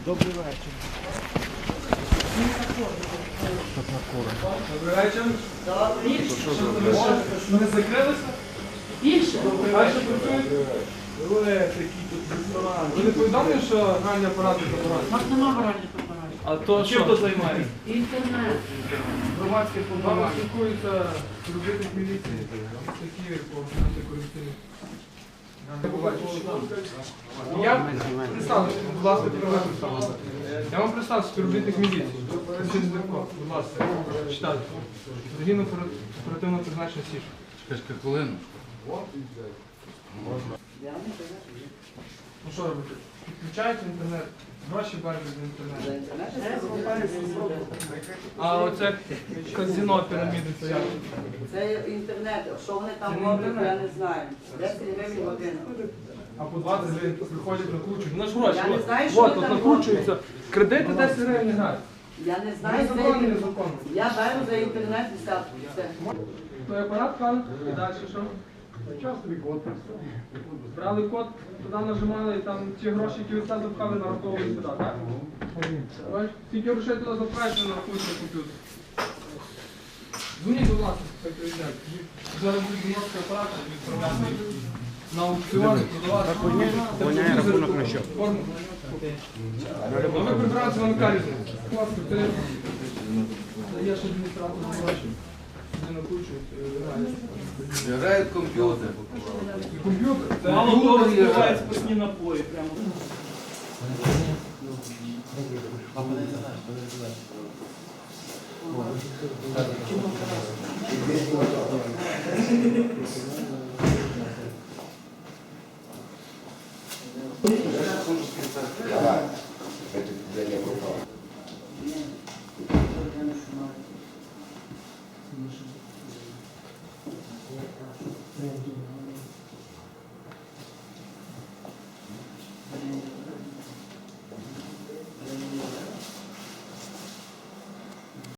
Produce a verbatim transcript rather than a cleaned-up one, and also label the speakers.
Speaker 1: Добрий вечір.
Speaker 2: Добрий вечір. Ми закрилися?
Speaker 3: Більше.
Speaker 2: А що працюють?
Speaker 1: Ви такі тут ресторан.
Speaker 2: Ви не повідомлені, що гральні апарати заборонені?
Speaker 3: У нас нема гральних апаратів.
Speaker 2: А то чим то займається?
Speaker 3: Інтернет.
Speaker 2: Громадське повноваження. Спілкуються робити міліції. Такі по антикорупційних. Я представлюся, будь ласка, представлюся. Я вам представлю співробітник міліції. Будь ласка, читайте. Загинув оперативно призначення Сіш.
Speaker 4: Чекай, хвилину.
Speaker 2: Ну що робити? Підключаєте інтернет, гроші беруть з інтернету. А оце казино піраміди, це як?
Speaker 5: Це інтернет, що вони там
Speaker 2: Це не
Speaker 5: роблять,
Speaker 2: інтернет.
Speaker 5: я не знаю. десять гривень година.
Speaker 2: А по двадцять гривень приходять, накручують. Ну ж гроші.
Speaker 5: Я не
Speaker 2: от.
Speaker 5: знаю, що
Speaker 2: От,
Speaker 5: ви
Speaker 2: от
Speaker 5: там
Speaker 2: накручуються. Кредити десять гривень не грають.
Speaker 5: Я не знаю,
Speaker 2: Незаконно,
Speaker 5: це-
Speaker 2: незаконно.
Speaker 5: я беру за інтернет десятку. Все.
Speaker 2: Той апарат, пан, і далі що? Брали код, туди нажимали, і там ті гроші, які від себе запхали, нараховували сюди, так? Бачиш, тільки грошей туди запхаєш, не нарахуєш на комп'ютер. Дзвоніть, будь ласка, хай приїжджають. Зараз будуть дзвіночки апарати відправляти на аукціони, продавати.
Speaker 1: Воняє рахунок на що?
Speaker 2: Форму. А ви прибранці вам яка різниця? Будь ласка, ти даєш адміністратор гроші. Вони накручують, грають.
Speaker 4: Грають комп'ютер.
Speaker 2: Комп'ютер? Це
Speaker 1: Мало
Speaker 2: комп'ютер
Speaker 1: того,
Speaker 2: є.
Speaker 1: співають спасні напої прямо.